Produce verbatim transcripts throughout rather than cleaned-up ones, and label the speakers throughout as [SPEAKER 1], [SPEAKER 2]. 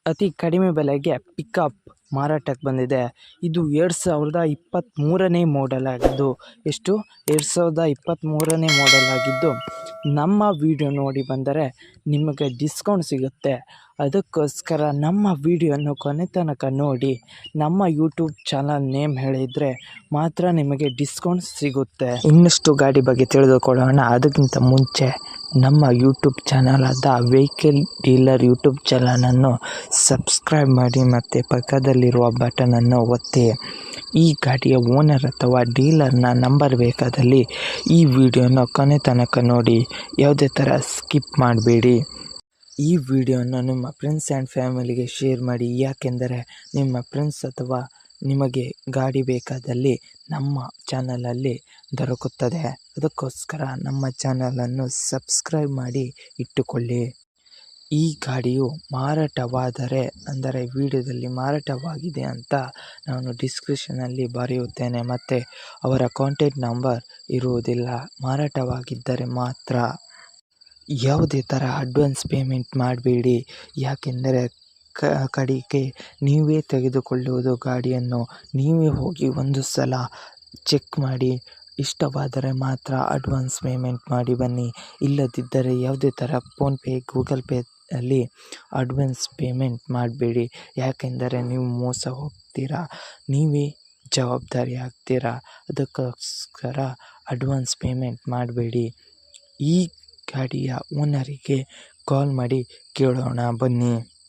[SPEAKER 1] ಅತಿ ಕಡಿಮೆ ಬೆಲೆಗೆ ಪಿಕಪ್ ಮಾರಾಟಕ್ಕೆ ಬಂದಿದೆ. ಇದು ಎರಡು ಸಾವಿರದ ಇಪ್ಪತ್ತ್ಮೂರನೇ ಮಾಡೆಲ್ ಆಗಿದ್ದು ಎಷ್ಟು ಎರಡು ಸಾವಿರದ ಇಪ್ಪತ್ತ್ಮೂರನೇ ಮಾಡೆಲ್ ಆಗಿದ್ದು ನಮ್ಮ ವಿಡಿಯೋ ನೋಡಿ ಬಂದರೆ ನಿಮಗೆ ಡಿಸ್ಕೌಂಟ್ ಸಿಗುತ್ತೆ. ಅದಕ್ಕೋಸ್ಕರ ನಮ್ಮ ವಿಡಿಯೋನ ಕೊನೆ ತನಕ ನೋಡಿ. ನಮ್ಮ ಯೂಟ್ಯೂಬ್ ಚಾನಲ್ ನೇಮ್ ಹೇಳಿದರೆ ಮಾತ್ರ ನಿಮಗೆ ಡಿಸ್ಕೌಂಟ್ ಸಿಗುತ್ತೆ. ಇನ್ನಷ್ಟು ಗಾಡಿ ಬಗ್ಗೆ ತಿಳಿದುಕೊಳ್ಳೋಣ. ಅದಕ್ಕಿಂತ ಮುಂಚೆ ನಮ್ಮ ಯೂಟ್ಯೂಬ್ ಚಾನಲ್ ಆದ ವೆಹಿಕಲ್ ಡೀಲರ್ ಯೂಟ್ಯೂಬ್ ಚಾನಲನ್ನು ಸಬ್ಸ್ಕ್ರೈಬ್ ಮಾಡಿ ಮತ್ತು ಪಕ್ಕದಲ್ಲಿರುವ ಬಟನನ್ನು ಒತ್ತಿ. ಈ ಗಾಡಿಯ ಓನರ್ ಅಥವಾ ಡೀಲರ್ನ ನಂಬರ್ ಬೇಕಾದಲ್ಲಿ ಈ ವಿಡಿಯೋನ ಕೊನೆ ತನಕ ನೋಡಿ, ಯಾವುದೇ ಥರ ಸ್ಕಿಪ್ ಮಾಡಬೇಡಿ. ಈ ವಿಡಿಯೋನ ನಿಮ್ಮ ಫ್ರೆಂಡ್ಸ್ ಆ್ಯಂಡ್ ಫ್ಯಾಮಿಲಿಗೆ ಶೇರ್ ಮಾಡಿ, ಯಾಕೆಂದರೆ ನಿಮ್ಮ ಫ್ರೆಂಡ್ಸ್ ಅಥವಾ ನಿಮಗೆ ಗಾಡಿ ಬೇಕಾದಲ್ಲಿ ನಮ್ಮ ಚಾನಲಲ್ಲಿ ದೊರಕುತ್ತದೆ. ಅದಕ್ಕೋಸ್ಕರ ನಮ್ಮ ಚಾನಲನ್ನು ಸಬ್ಸ್ಕ್ರೈಬ್ ಮಾಡಿ ಇಟ್ಟುಕೊಳ್ಳಿ. ಈ ಗಾಡಿಯು ಮಾರಾಟವಾದರೆ ಅಂದರೆ ವಿಡಿಯೋದಲ್ಲಿ ಮಾರಾಟವಾಗಿದೆ ಅಂತ ನಾನು ಡಿಸ್ಕ್ರಿಪ್ಷನಲ್ಲಿ ಬರೆಯುತ್ತೇನೆ ಮತ್ತು ಅವರ ಕಾಂಟ್ಯಾಕ್ಟ್ ನಂಬರ್ ಇರುವುದಿಲ್ಲ. ಮಾರಾಟವಾಗಿದ್ದರೆ ಮಾತ್ರ. ಯಾವುದೇ ಥರ ಅಡ್ವಾನ್ಸ್ ಪೇಮೆಂಟ್ ಮಾಡಬೇಡಿ, ಯಾಕೆಂದರೆ ಕ ಕಡೆಗೆ ನೀವೇ ತೆಗೆದುಕೊಳ್ಳುವುದು ಗಾಡಿಯನ್ನು. ನೀವೇ ಹೋಗಿ ಒಂದು ಸಲ ಚೆಕ್ ಮಾಡಿ, ಇಷ್ಟವಾದರೆ ಮಾತ್ರ ಅಡ್ವಾನ್ಸ್ ಪೇಮೆಂಟ್ ಮಾಡಿ ಬನ್ನಿ. ಇಲ್ಲದಿದ್ದರೆ ಯಾವುದೇ ಥರ ಫೋನ್ಪೇ ಗೂಗಲ್ ಪೇ ಅಲ್ಲಿ ಅಡ್ವಾನ್ಸ್ ಪೇಮೆಂಟ್ ಮಾಡಬೇಡಿ, ಯಾಕೆಂದರೆ ನೀವು ಮೋಸ ಹೋಗ್ತೀರಾ, ನೀವೇ ಜವಾಬ್ದಾರಿ ಆಗ್ತೀರಾ. ಅದಕ್ಕೋಸ್ಕರ ಅಡ್ವಾನ್ಸ್ ಪೇಮೆಂಟ್ ಮಾಡಬೇಡಿ. ಈ ಗಾಡಿಯ ಓನರಿಗೆ ಕಾಲ್ ಮಾಡಿ ಕೇಳೋಣ ಬನ್ನಿ.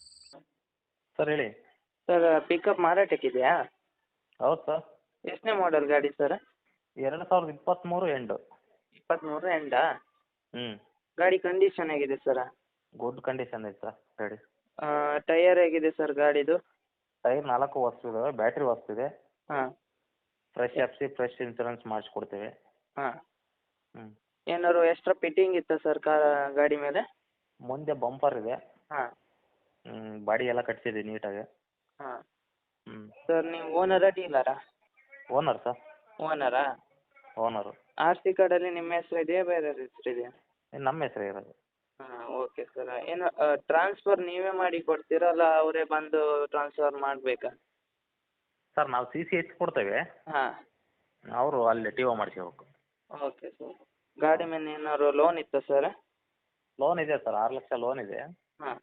[SPEAKER 2] ಸರ್ ಹೇಳಿ.
[SPEAKER 1] ಸರ್ ಪಿಕಪ್ ಮಾರಾಟಕ್ಕಿದೆಯಾ?
[SPEAKER 2] ಹೌದು ಸರ್.
[SPEAKER 1] ಎಷ್ಟನೇ ಮಾಡೆಲ್ ಗಾಡಿ ಸರ್?
[SPEAKER 2] ಎರಡು ಸಾವಿರದ ಇಪ್ಪತ್ತ್ಮೂರು ಎಂಡು.
[SPEAKER 1] ಇಪ್ಪತ್ತ್ಮೂರು ಎಂಡಾ?
[SPEAKER 2] ಹ್ಞೂ.
[SPEAKER 1] ಗಾಡಿ ಕಂಡೀಷನ್ ಹೇಗಿದೆ ಸರ್?
[SPEAKER 2] ಗುಡ್ ಕಂಡೀಷನ್ ಇದೆ ಸರ್ ಗಾಡಿ.
[SPEAKER 1] ಟೈಯರ್ ಹೇಗಿದೆ ಸರ್ ಗಾಡಿದು?
[SPEAKER 2] ಟೈರ್ ನಾಲ್ಕು ಹೊಸದಿದ್ದಾವೆ, ಬ್ಯಾಟ್ರಿ ಹೊಸದಿದೆ.
[SPEAKER 1] ಹಾಂ.
[SPEAKER 2] Fresh F C fresh insurance ಮಾಡಿಸ್ಕೊಡ್ತೀವಿ.
[SPEAKER 1] ಹಾಂ.
[SPEAKER 2] ಹ್ಞೂ.
[SPEAKER 1] ಏನಾದ್ರು ಎಕ್ಸ್ಟ್ರಾ ಫಿಟ್ಟಿಂಗ್ ಇತ್ತಾ ಸರ್ ಕಾ ಗಾಡಿ ಮೇಲೆ?
[SPEAKER 2] ಮುಂದೆ ಬಂಪರ್ ಇದೆ.
[SPEAKER 1] ಹಾಂ.
[SPEAKER 2] ಹ್ಞೂ, ಬಾಡಿ ಎಲ್ಲ ಕಟ್ಸಿದ್ದೀವಿ ನೀಟಾಗಿ.
[SPEAKER 1] ಹಾಂ.
[SPEAKER 2] ಹ್ಞೂ.
[SPEAKER 1] ಸರ್ ನೀವು ಓನರಾ ಡೀಲರಾ?
[SPEAKER 2] Owner sir.
[SPEAKER 1] ಓನರಾ?
[SPEAKER 2] ಓನರು.
[SPEAKER 1] ಆರ್ ಸಿ ಕಾರ್ಡಲ್ಲಿ ನಿಮ್ಮ ಹೆಸರು ಇದೆಯಾ ಬೇರೆ ಹೆಸರು ಇದೆಯಾ?
[SPEAKER 2] ನಮ್ಮ ಹೆಸರೇ ಇರೋದು.
[SPEAKER 1] ಹಾಂ, ಓಕೆ ಸರ್. ಏನು ಟ್ರಾನ್ಸ್ಫರ್ ನೀವೇ ಮಾಡಿ ಕೊಡ್ತೀರಾ ಅಲ್ಲ ಅವರೇ ಬಂದು ಟ್ರಾನ್ಸ್ಫರ್ ಮಾಡಬೇಕಾ?
[SPEAKER 2] ಸರ್ ನಾವು ಸಿ ಸಿ ಎಚ್ ಕೊಡ್ತೇವೆ,
[SPEAKER 1] ಹಾಂ.
[SPEAKER 2] ಅವರು ಅಲ್ಲಿ ಟಿ ಒ ಮಾಡಿಸ್ಕೋಬೇಕು.
[SPEAKER 1] Okay sir. ಗಾಡಿ ಮೇಲೆ ಏನಾದ್ರು ಲೋನ್ ಇತ್ತಾ ಸರ್?
[SPEAKER 2] ಲೋನ್ ಇದೆ ಸರ್, ಆರು ಲಕ್ಷ ಲೋನ್ ಇದೆ.
[SPEAKER 1] ಹಾಂ.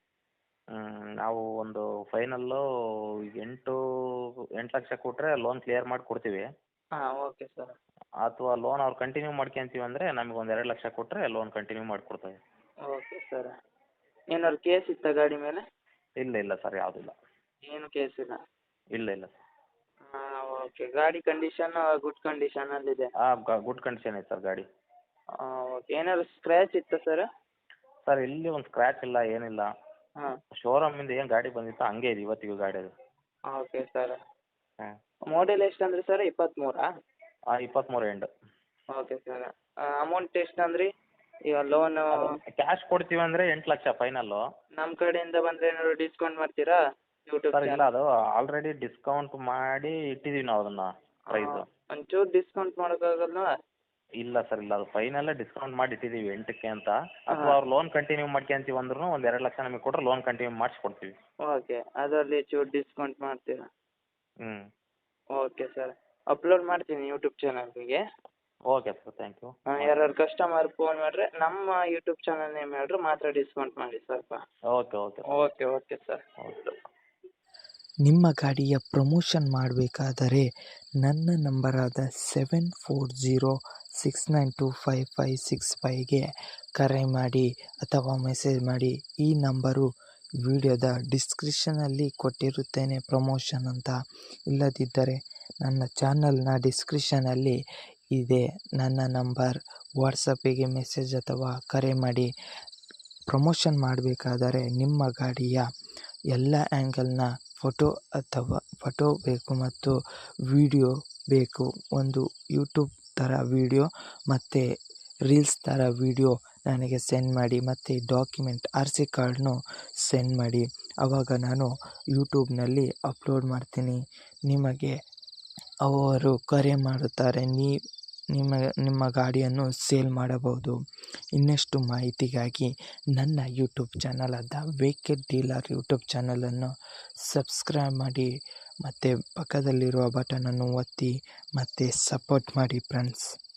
[SPEAKER 2] ನಾವು ಒಂದು ಫೈನಲ್ಲು ಎಂಟು ಎಂಟು ಲಕ್ಷ ಕೊಟ್ಟರೆ ಲೋನ್ ಕ್ಲಿಯರ್ ಮಾಡಿ ಕೊಡ್ತೀವಿ.
[SPEAKER 1] ಹಾಂ, ಓಕೆ ಸರ್.
[SPEAKER 2] ಅಥವಾ ಲೋನ್ ಅವ್ರು ಕಂಟಿನ್ಯೂ ಮಾಡ್ಕೊಂತೀವಿ ಅಂದರೆ ನಮಗೆ ಒಂದು ಎರಡು ಲಕ್ಷ ಕೊಟ್ಟರೆ ಲೋನ್ ಕಂಟಿನ್ಯೂ ಮಾಡಿಕೊಡ್ತೇವೆ.
[SPEAKER 1] Okay sir. ಏನಾದ್ರು ಕೇಸ್ ಇತ್ತಾ ಗಾಡಿ ಮೇಲೆ?
[SPEAKER 2] ಇಲ್ಲ ಇಲ್ಲ ಸರ್, ಯಾವುದಿಲ್ಲ.
[SPEAKER 1] ಏನು ಕೇಸ್ ಇಲ್ಲ?
[SPEAKER 2] ಇಲ್ಲ ಇಲ್ಲ ಸರ್.
[SPEAKER 1] ಹಾಂ, ಓಕೆ. ಗಾಡಿ ಕಂಡೀಷನ್ ಗುಡ್ ಕಂಡೀಷನಲ್ಲಿದೆ?
[SPEAKER 2] ಹಾಂ, ಗುಡ್ ಕಂಡೀಷನ್ ಇದೆ ಸರ್ ಗಾಡಿ.
[SPEAKER 1] ಹಾಂ, ಓಕೆ. ಏನಾದ್ರು ಸ್ಕ್ರ್ಯಾಚ್ ಇತ್ತಾ ಸರ್?
[SPEAKER 2] ಸರ್ ಇಲ್ಲಿ ಒಂದು ಸ್ಕ್ರ್ಯಾಚ್ ಇಲ್ಲ, ಏನಿಲ್ಲ.
[SPEAKER 1] ಹಾಂ.
[SPEAKER 2] ಶೋರೂಮಿಂದ ಏನು ಗಾಡಿ ಬಂದಿತ್ತು ಹಂಗೆ ಇದೆ ಇವತ್ತಿಗೂ ಗಾಡಿ ಅದು.
[SPEAKER 1] Okay sir.
[SPEAKER 2] ಹಾಂ.
[SPEAKER 1] ಮಾಡೆಲ್ ಎಷ್ಟು ಅಂದ್ರಿ ಸರ್? ಇಪ್ಪತ್ತ್ಮೂರಾ?
[SPEAKER 2] ಹಾಂ, ಇಪ್ಪತ್ತ್ಮೂರು ಎಂಡು.
[SPEAKER 1] Okay sir. ಅಮೌಂಟ್ ಎಷ್ಟು ಅಂದ್ರಿ ಈಗ ಲೋನು?
[SPEAKER 2] ಕ್ಯಾಶ್ ಕೊಡ್ತೀವಿ ಅಂದರೆ ಎಂಟು ಲಕ್ಷ ಫೈನಲ್ಲು.
[SPEAKER 1] ನಮ್ಮ ಕಡೆಯಿಂದ ಬಂದರೆ ಏನಾದ್ರು ಡಿಸ್ಕೌಂಟ್ ಮಾಡ್ತೀರಾ ಯೂಟ್ಯೂಬ್
[SPEAKER 2] ಸರ್ ಇಲ್ಲ,
[SPEAKER 1] ಚಾನಲ್?
[SPEAKER 2] ಅದು ಆಲ್ರೆಡಿ ಡಿಸ್ಕೌಂಟ್ ಮಾಡಿ ಇಟ್ಟಿದ್ದೀವಿ ನಾವು ಅದನ್ನು ಪ್ರೈಸು.
[SPEAKER 1] ಒಂಚೂರು ಡಿಸ್ಕೌಂಟ್ ಮಾಡೋಕ್ಕಾಗಲ್ವಾ?
[SPEAKER 2] ಇಲ್ಲ ಸರ್, ಇಲ್ಲ, ಅದು ಫೈನಲ್ಲೇ ಡಿಸ್ಕೌಂಟ್ ಮಾಡಿ ಇಟ್ಟಿದ್ದೀವಿ ಎಂಟಕ್ಕೆ ಅಂತ. ಅಥವಾ ಅವ್ರು ಲೋನ್ ಕಂಟಿನ್ಯೂ ಮಾಡ್ಕೊಂತೀವಿ ಅಂದ್ರೂ ಒಂದು ಎರಡು ಲಕ್ಷ ನಮಗೆ ಕೊಟ್ಟರೆ ಲೋನ್ ಕಂಟಿನ್ಯೂ ಮಾಡಿಸ್ಕೊಡ್ತೀವಿ.
[SPEAKER 1] ಓಕೆ, ಅದರಲ್ಲಿ ಚೂರು ಡಿಸ್ಕೌಂಟ್ ಮಾಡ್ತೀರಾ?
[SPEAKER 2] ಹ್ಞೂ.
[SPEAKER 1] Okay sir. ಅಪ್ಲೋಡ್ ಮಾಡ್ತೀನಿ ಯೂಟ್ಯೂಬ್ ಚಾನಲ್ಗೆ.
[SPEAKER 2] Okay sir, thank you.
[SPEAKER 1] ಯಾರು ಕಸ್ಟಮರ್ ಫೋನ್ ಮಾಡಿದ್ರೆ ನಮ್ಮ ಯೂಟ್ಯೂಬ್ ಚಾನಲ್ ನೇಮ್ ಹೇಳಿದ್ರೆ ಮಾತ್ರ ಡಿಸ್ಕೌಂಟ್ ಮಾಡಿ ಸ್ವಲ್ಪ.
[SPEAKER 2] Okay okay
[SPEAKER 1] okay okay sir.
[SPEAKER 2] Okay.
[SPEAKER 1] ನಿಮ್ಮ ಗಾಡಿಯ ಪ್ರಮೋಷನ್ ಮಾಡಬೇಕಾದರೆ ನನ್ನ ನಂಬರಾದ seven four zero six nine two five five six ಫೈವ್ಗೆ ಕರೆ ಮಾಡಿ ಅಥವಾ ಮೆಸೇಜ್ ಮಾಡಿ. ಈ ನಂಬರು ವಿಡಿಯೋದ ಡಿಸ್ಕ್ರಿಪ್ಷನಲ್ಲಿ ಕೊಟ್ಟಿರುತ್ತೇನೆ ಪ್ರಮೋಷನ್ ಅಂತ. ಇಲ್ಲದಿದ್ದರೆ ನನ್ನ ಚಾನಲ್ನ ಡಿಸ್ಕ್ರಿಪ್ಷನಲ್ಲಿ ಇದೆ ನನ್ನ ನಂಬರ್. ವಾಟ್ಸಪ್ಪಿಗೆ ಮೆಸೇಜ್ ಅಥವಾ ಕರೆ ಮಾಡಿ. ಪ್ರಮೋಷನ್ ಮಾಡಬೇಕಾದರೆ ನಿಮ್ಮ ಗಾಡಿಯ ಎಲ್ಲ ಆ್ಯಂಗಲ್ನ ಫೋಟೋ ಅಥವಾ ಫೋಟೋ ಬೇಕು ಮತ್ತು ವಿಡಿಯೋ ಬೇಕು. ಒಂದು ಯೂಟ್ಯೂಬ್ ಥರ ವಿಡಿಯೋ ಮತ್ತು ರೀಲ್ಸ್ ಥರ ವಿಡಿಯೋ ನನಗೆ ಸೆಂಡ್ ಮಾಡಿ ಮತ್ತು ಡಾಕ್ಯುಮೆಂಟ್ ಆರ್ ಸಿ ಕಾರ್ಡ್ನು ಸೆಂಡ್ ಮಾಡಿ. ಆವಾಗ ನಾನು ಯೂಟ್ಯೂಬ್ನಲ್ಲಿ ಅಪ್ಲೋಡ್ ಮಾಡ್ತೀನಿ. ನಿಮಗೆ ಅವರು ಕರೆ ಮಾಡುತ್ತಾರೆ. ನೀ ನಿಮ್ಮ ನಿಮ್ಮ ಗಾಡಿಯನ್ನು ಸೇಲ್ ಮಾಡಬಹುದು. ಇನ್ನಷ್ಟು ಮಾಹಿತಿಗಾಗಿ ನನ್ನ ಯೂಟ್ಯೂಬ್ ಚಾನಲ್ ಆದ ವೆಹಿಕಲ್ ಡೀಲರ್ ಯೂಟ್ಯೂಬ್ ಚಾನಲನ್ನು ಸಬ್ಸ್ಕ್ರೈಬ್ ಮಾಡಿ ಮತ್ತು ಪಕ್ಕದಲ್ಲಿರುವ ಬಟನನ್ನು ಒತ್ತಿ ಮತ್ತು ಸಪೋರ್ಟ್ ಮಾಡಿ ಫ್ರೆಂಡ್ಸ್.